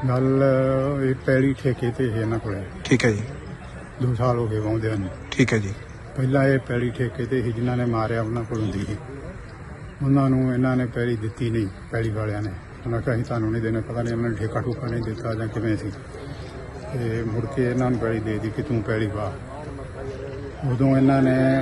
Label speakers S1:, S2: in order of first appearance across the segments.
S1: ਗੱਲ ਇਹ ਪੈਲੀ ਠੇਕੇ ਤੇ ਹੈ ਇਹਨਾਂ ਕੋਲੇ
S2: ਠੀਕ ਹੈ ਜੀ।
S1: 2 ਸਾਲ ਹੋ ਗਏ ਵਾਉਂਦਿਆਂ ਨੂੰ।
S2: ਠੀਕ ਹੈ ਜੀ।
S1: ਪਹਿਲਾਂ ਇਹ ਪੈਲੀ ਠੇਕੇ ਤੇ ਸੀ, ਜਿਨ੍ਹਾਂ ਨੇ ਮਾਰਿਆ ਉਹਨਾਂ ਕੋਲ ਹੁੰਦੀ ਸੀ। ਉਹਨਾਂ ਨੂੰ ਇਹਨਾਂ ਨੇ ਪੈਲੀ ਦਿੱਤੀ ਨਹੀਂ, ਪੈਲੀ ਵਾਲਿਆਂ ਨੇ ਉਹਨਾਂ ਕਿਹਾ ਅਸੀਂ ਤੁਹਾਨੂੰ ਨਹੀਂ ਦੇਣਾ। ਪਤਾ ਨਹੀਂ ਉਹਨਾਂ ਨੇ ਠੇਕਾ ਠੂਕਾ ਨਹੀਂ ਦਿੱਤਾ ਜਾਂ ਕਿਵੇਂ ਸੀ। ਤੇ ਮੁੜ ਕੇ ਇਹਨਾਂ ਨੂੰ ਪੈਲੀ ਦੇ ਦਿੱਤੀ ਕਿ ਤੂੰ ਪੈਲੀ ਪਾ। ਉਦੋਂ ਇਹਨਾਂ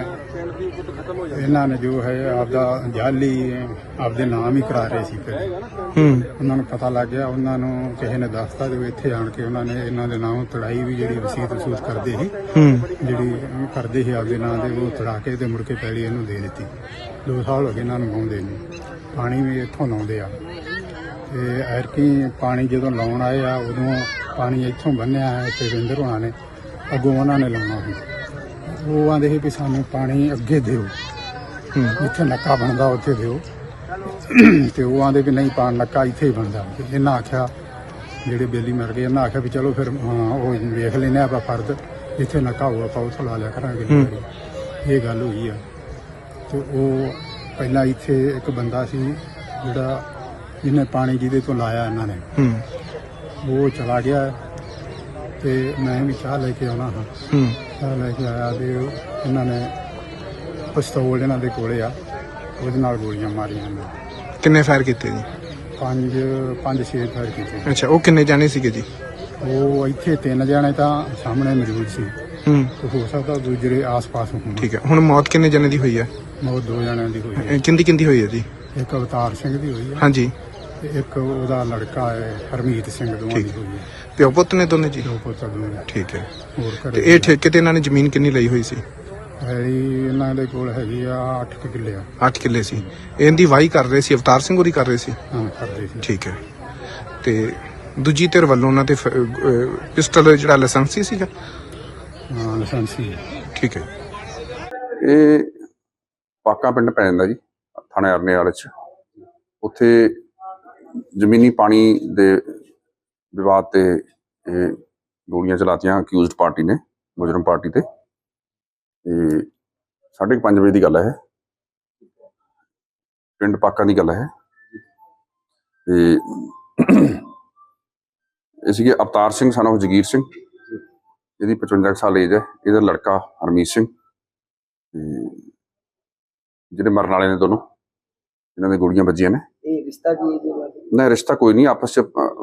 S1: ਨੇ ਜੋ ਹੈ ਆਪਦਾ ਜਾਲੀ ਆਪਦੇ ਨਾਮ ਹੀ ਕਰਾ ਰਹੇ ਸੀ। ਫਿਰ ਉਹਨਾਂ ਨੂੰ ਪਤਾ ਲੱਗ ਗਿਆ, ਉਹਨਾਂ ਨੂੰ ਕਿਸੇ ਨੇ ਦੱਸਤਾ ਜੋ ਇੱਥੇ ਆਣ ਕੇ ਉਹਨਾਂ ਨੇ ਇਹਨਾਂ ਦੇ ਨਾਮ ਤੜਾਈ ਵੀ ਜਿਹੜੀ ਵਸੀਅਤ ਵਸੂਤ ਕਰਦੇ ਸੀ, ਜਿਹੜੀ ਕਰਦੇ ਸੀ ਆਪਦੇ ਨਾਂ ਦੇ, ਉਹ ਤੜਾ ਕੇ ਤੇ ਮੁੜ ਕੇ ਪੈਲੀ ਇਹਨੂੰ ਦੇ ਦਿੱਤੀ। 2 ਸਾਲ ਹੋ ਗਏ ਇਹਨਾਂ ਨੂੰ ਲਾਉਂਦੇ ਨੂੰ। ਪਾਣੀ ਵੀ ਇੱਥੋਂ ਲਾਉਂਦੇ ਆ। ਤੇ ਐਰਕੀ ਪਾਣੀ ਜਦੋਂ ਲਾਉਣ ਆਏ ਆ ਉਦੋਂ ਪਾਣੀ ਇੱਥੋਂ ਬੰਨਿਆ ਹੈ ਤੇ ਰਿੰਦਰ ਹੋਣਾ ਨੇ ਅੱਗੋਂ ਉਹਨਾਂ ਨੇ ਲਾਉਣਾ ਸੀ। ਉਹ ਆਂਦੇ ਸੀ ਵੀ ਸਾਨੂੰ ਪਾਣੀ ਅੱਗੇ ਦਿਓ, ਜਿੱਥੇ ਨੱਕਾ ਬਣਦਾ ਉੱਥੇ ਦਿਓ। ਤੇ ਉਹ ਆਂਦੇ ਵੀ ਨਹੀਂ, ਪਾਣੀ ਨੱਕਾ ਇੱਥੇ ਹੀ ਬਣਦਾ। ਇਹਨਾਂ ਆਖਿਆ, ਜਿਹੜੇ ਬੇਲੀ ਮਰ ਗਏ, ਇਹਨਾਂ ਆਖਿਆ ਵੀ ਚਲੋ ਫਿਰ ਉਹ ਵੇਖ ਲੈਂਦੇ ਆਪਾਂ ਫਰਦ, ਜਿੱਥੇ ਨੱਕਾ ਹੋਊ ਆਪਾਂ ਉੱਥੋਂ ਲਾ ਲਿਆ ਕਰਾਂਗੇ। ਇਹ ਗੱਲ ਹੋਈ ਆ। ਤੇ ਉਹ ਪਹਿਲਾਂ ਇੱਥੇ ਇੱਕ ਬੰਦਾ ਸੀ ਜਿਹੜਾ ਜਿਹਨੇ ਪਾਣੀ ਜਿਹਦੇ ਤੋਂ ਲਾਇਆ ਇਹਨਾਂ ਨੇ, ਉਹ ਚਲਾ ਗਿਆ। ਤੇ ਮੈਂ ਵੀ ਚਾਹ ਲੈ ਕੇ ਆਉਣਾ ਹਾਂ। ਚਾਹ ਲੈ ਕੇ ਆਇਆ ਤੇ ਇਹਨਾਂ ਨੇ ਪਿਸਤੌਲ ਇਹਨਾਂ ਦੇ ਕੋਲੇ ਆ, ਉਹਦੇ ਨਾਲ ਗੋਲੀਆਂ ਮਾਰੀਆਂ ਨੇ।
S2: ਕਿੰਨੇ ਫਾਇਰ ਕੀਤੇ ਜੀ?
S1: 5-6 ਫਾਇਰ ਕੀਤੇ।
S2: ਅੱਛਾ, ਉਹ ਕਿੰਨੇ ਜਾਣੇ ਸੀਗੇ ਜੀ?
S1: ਉਹ ਇੱਥੇ 3 ਜਣੇ ਤਾਂ ਸਾਹਮਣੇ ਮੌਜੂਦ ਸੀ। ਤੇ ਹੋ ਸਕਦਾ ਦੂਜੇ ਆਸ-ਪਾਸ ਹੋਣ।
S2: ਠੀਕ ਹੈ। ਹੁਣ ਮੌਤ ਕਿੰਨੇ ਜਣੇ ਦੀ ਹੋਈ ਹੈ?
S1: ਮੌਤ 2 ਜਣਿਆਂ ਦੀ ਹੋਈ ਹੈ।
S2: ਕਿੰਦੀ ਹੋਈ ਹੈ ਜੀ?
S1: ਇੱਕ ਅਵਤਾਰ ਸਿੰਘ ਦੀ ਹੋਈ ਹੈ।
S2: ਹਾਂਜੀ।
S1: ਤੇ ਇੱਕ ਉਹਦਾ ਲੜਕਾ ਹੈ ਹਰਮੀਤ ਸਿੰਘ, ਦੋਵਾਂ ਦੀ ਹੋਈ ਹੈ।
S2: ਪਿਓ ਪੁੱਤ ਨੇ ਦੋਨੇ ਜੀ?
S1: ਦੋ ਪੁੱਤ ਦੋਵੇਂ।
S2: ਠੀਕ ਹੈ।
S1: ਹੋਰ
S2: ਤੇ ਇਹ ਠੇਕੇ ਤੇ ਇਹਨਾਂ ਨੇ ਜ਼ਮੀਨ ਕਿੰਨੀ ਲਈ ਹੋਈ ਸੀ?
S1: ਇਹਨਾਂ ਦੇ ਕੋਲ ਹੈਗੀ ਆ 8 ਕਿੱਲੇ ਆ।
S2: 8 ਕਿੱਲੇ ਸੀ। ਇਹਦੀ ਵਾਹੀ ਕਰ ਰਹੇ ਸੀ, ਅਵਤਾਰ ਸਿੰਘ ਹੋਰੀ ਕਰ ਰਹੇ ਸੀ?
S1: ਹਾਂ, ਕਰਦੇ ਸੀ।
S2: ਠੀਕ ਹੈ। ਤੇ ਦੂਜੀ ਧਿਰ ਵੱਲੋਂ ਉਹਨਾਂ ਤੇ ਪਿਸਟਲ ਜਿਹੜਾ ਲਾਇਸੈਂਸੀ ਸੀਗਾ?
S1: ਹਾਂ, ਲਾਇਸੈਂਸੀ।
S2: ਠੀਕ ਹੈ।
S3: ਇਹ ਪਾਕਾ ਪਿੰਡ ਪੈ ਜਾਂਦਾ ਜੀ, ਥਾਣੇ ਅਰਨਿਆਲ ਚ। ਉੱਥੇ ਜ਼ਮੀਨੀ ਪਾਣੀ ਦੇ ਵਿਵਾਦ ਤੇ ਇਹ ਗੋਲੀਆਂ ਚਲਾਤੀਆਂ ਅਕਿਊਜ਼ਡ ਪਾਰਟੀ ਨੇ, ਮੁਜਰਮ ਪਾਰਟੀ ਤੇ। 5:30 ਵਜੇ ਦੀ ਗੱਲ ਹੈ। ਪਿੰਡ ਪਾਕਾ ਦੀ ਗੱਲ ਹੈ। ਤੇ ਇਹ ਸੀਗੇ ਅਵਤਾਰ ਸਿੰਘ son of ਜਗੀਰ ਸਿੰਘ, ਇਹਦੀ 55 ਸਾਲ ਏਜ ਹੈ। ਇਹਦਾ ਲੜਕਾ ਹਰਮੀਤ ਸਿੰਘ, ਜਿਹੜੇ ਮਰਨ ਵਾਲੇ ਨੇ ਦੋਨੋਂ, ਇਹਨਾਂ ਦੇ ਗੋਲੀਆਂ ਵੱਜੀਆਂ ਨੇ।
S4: ਇਹ ਰਿਸ਼ਤਾ ਕੀ ਹੈ?
S3: ਨਹੀਂ, ਰਿਸ਼ਤਾ ਕੋਈ ਨਹੀਂ, ਆਪਸ ਚ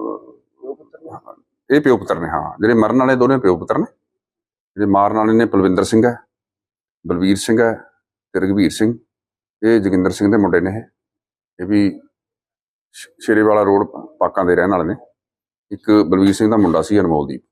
S3: ਇਹ ਪਿਓ ਪੁੱਤਰ ਨੇ। ਹਾਂ, ਜਿਹੜੇ ਮਰਨ ਵਾਲੇ ਦੋਨੇ ਪਿਓ ਪੁੱਤਰ ਨੇ। ਜਿਹੜੇ ਮਾਰਨ ਵਾਲੇ ਨੇ ਪਲਵਿੰਦਰ ਸਿੰਘ ਹੈ, ਬਲਵੀਰ ਸਿੰਘ ਹੈ ਤੇ ਰਘਵੀਰ ਸਿੰਘ। ਇਹ ਜੋਗਿੰਦਰ ਸਿੰਘ ਦੇ ਮੁੰਡੇ ਨੇ। ਇਹ ਵੀ ਸ਼ੇਰੇਵਾਲਾ ਰੋਡ ਪਾਕਾਂ ਦੇ ਰਹਿਣ ਵਾਲੇ ਨੇ। ਇੱਕ ਬਲਵੀਰ ਸਿੰਘ ਦਾ ਮੁੰਡਾ ਸੀ ਅਨਮੋਲਦੀਪ।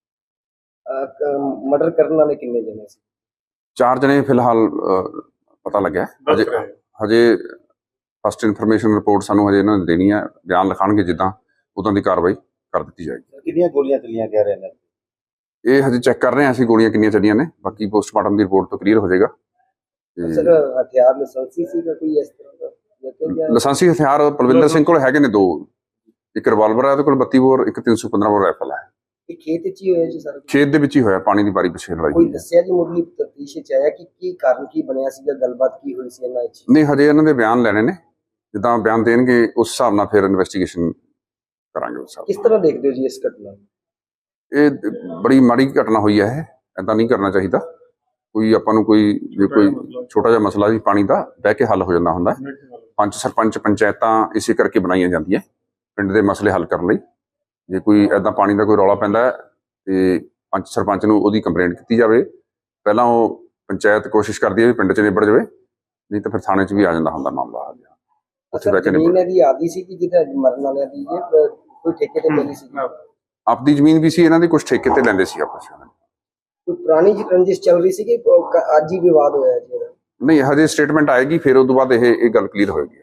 S4: ਮਰਡਰ ਕਰਨ ਵਾਲੇ ਕਿੰਨੇ ਜਣੇ ਸੀ?
S3: 4 ਜਣੇ ਫਿਲਹਾਲ ਪਤਾ ਲੱਗਿਆ। ਹਜੇ ਫਸਟ ਇਨਫੋਰਮੇਸ਼ਨ ਰਿਪੋਰਟ ਸਾਨੂੰ ਹਜੇ ਇਹਨਾਂ ਨੇ ਦੇਣੀ ਹੈ। ਬਿਆਨ ਲਿਖਾਣਗੇ, ਜਿੱਦਾਂ ਉਦਾਂ ਦੀ ਕਾਰਵਾਈ ਕਰ ਦਿੱਤੀ ਜਾਏਗੀ।
S4: ਕਿੰਨੀਆਂ ਗੋਲੀਆਂ ਚੱਲੀਆਂ ਕਹਿ ਰਹੇ ਨੇ?
S3: ਇਹ ਹਜੇ ਚੈੱਕ ਕਰ ਰਹੇ ਹਾਂ ਅਸੀਂ, ਗੋਲੀਆਂ ਕਿੰਨੀਆਂ ਚੱਲੀਆਂ ਨੇ। ਬਾਕੀ ਪੋਸਟਮਾਰਟਮ ਦੀ ਰਿਪੋਰਟ ਤੋਂ ਕਲੀਅਰ ਹੋ ਜਾਏਗਾ।
S4: ਸਰ, ਹਥਿਆਰ ਲਾਇਸੈਂਸੀ ਸੀਗਾ ਕੋਈ ਇਸ ਤਰ੍ਹਾਂ ਦਾ?
S3: ਲਾਇਸੈਂਸੀ ਹਥਿਆਰ ਪਲਵਿੰਦਰ ਸਿੰਘ ਕੋਲ ਹੈਗੇ ਨੇ 2। ਇੱਕ ਰਿਵਾਲਵਰ ਹੈ ਉਹਦੇ ਕੋਲ 32 ਬੋਰ, ਇੱਕ 315 ਬੋਰ ਰਾਈਫਲ ਹੈ।
S4: ਇਹ ਖੇਤ 'ਚ ਹੀ ਹੋਇਆ ਜੀ ਸਰ?
S3: ਖੇਤ ਦੇ ਵਿੱਚ ਹੀ ਹੋਇਆ, ਪਾਣੀ ਦੀ ਬਾਰੀ ਪਿੱਛੇ ਲੜਾਈ
S4: ਕੋਈ
S3: ਹੋਈ ਹੈ।
S4: ਦੱਸਿਆ ਜੀ ਮੁੱਢਲੀ ਤਫਤੀਸ਼ 'ਚ ਆਇਆ ਕਿ ਕੀ ਕਾਰਨ ਕੀ ਬਣਿਆ ਸੀਗਾ, ਗੱਲਬਾਤ ਕੀ ਹੋਈ ਸੀ ਇਹਨਾਂ 'ਚ?
S3: ਨਹੀਂ, ਹਜੇ ਇਹਨਾਂ ਦੇ ਬਿਆਨ ਲੈਣੇ ਨੇ। ਜਿੱਦਾਂ ਬਿਆਨ ਦੇਣਗੇ ਉਸ ਹਿਸਾਬ ਨਾਲ ਫਿਰ ਇਨਵੈਸਟੀਗੇਸ਼ਨ ਕਰਾਂਗੇ। ਉਸ ਹਿਸਾਬ
S4: ਕਿਸ ਤਰ੍ਹਾਂ ਦੇਖਦੇ ਹੋ ਜੀ ਇਸ ਘਟਨਾ ਨੂੰ?
S3: ਇਹ ਬੜੀ ਮਾੜੀ ਘਟਨਾ ਹੋਈ ਹੈ। ਇਹ ਏਦਾਂ ਨਹੀਂ ਕਰਨਾ ਚਾਹੀਦਾ। ਕੋਈ ਆਪਾਂ ਨੂੰ ਜੇ ਕੋਈ ਛੋਟਾ ਜਿਹਾ ਮਸਲਾ ਵੀ ਪਾਣੀ ਦਾ ਬਹਿ ਕੇ ਹੱਲ ਹੋ ਜਾਂਦਾ ਹੁੰਦਾ। ਪੰਚ ਸਰਪੰਚ ਪੰਚਾਇਤਾਂ ਇਸੇ ਕਰਕੇ ਬਣਾਈਆਂ ਜਾਂਦੀਆਂ, ਪਿੰਡ ਦੇ ਮਸਲੇ ਹੱਲ ਕਰਨ ਲਈ। ਜੇ ਕੋਈ ਏਦਾਂ ਪਾਣੀ ਦਾ ਕੋਈ ਰੌਲਾ ਪੈਂਦਾ ਹੈ ਤੇ ਪੰਚ ਸਰਪੰਚ ਨੂੰ ਉਹਦੀ ਕੰਪਲੇਂਟ ਕੀਤੀ ਜਾਵੇ। ਪਹਿਲਾਂ ਉਹ ਪੰਚਾਇਤ ਕੋਸ਼ਿਸ਼ ਕਰਦੀ ਹੈ ਵੀ ਪਿੰਡ 'ਚ ਨਿਬੜ ਜਾਵੇ, ਨਹੀਂ ਤਾਂ ਫਿਰ ਥਾਣੇ 'ਚ ਵੀ ਆ ਜਾਂਦਾ ਹੁੰਦਾ ਮਾਮਲਾ। ਉੱਥੇ ਬਹਿ ਕੇ
S4: ਜ਼ਮੀਨ ਇਹਦੀ ਆਦੀ ਸੀ ਕਿ ਜਿਹਦਾ ਮਰਨ ਵਾਲਿਆਂ ਦੀ ਕੋਈ ਠੇਕੇ ਤੇ ਮਿਲੀ ਸੀ?
S3: ਆਪਦੀ ਜ਼ਮੀਨ ਵੀ ਸੀ ਇਹਨਾਂ ਦੀ, ਕੁਝ ਠੇਕੇ ਤੇ ਲੈਂਦੇ ਸੀ ਆਪਸ ਵਿੱਚ।
S4: ਕੋਈ ਪੁਰਾਣੀ ਰੰਜਿਸ਼ ਚੱਲ ਰਹੀ ਸੀ ਕਿ ਅੱਜ ਹੀ ਵਿਵਾਦ ਹੋਇਆ ਜੀ?
S3: ਨਹੀਂ, ਹਜੇ ਸਟੇਟਮੈਂਟ ਆਏਗੀ, ਫਿਰ ਉਹ ਤੋਂ ਬਾਅਦ ਇਹ ਗੱਲ ਕਲੀਅਰ ਹੋਏਗੀ।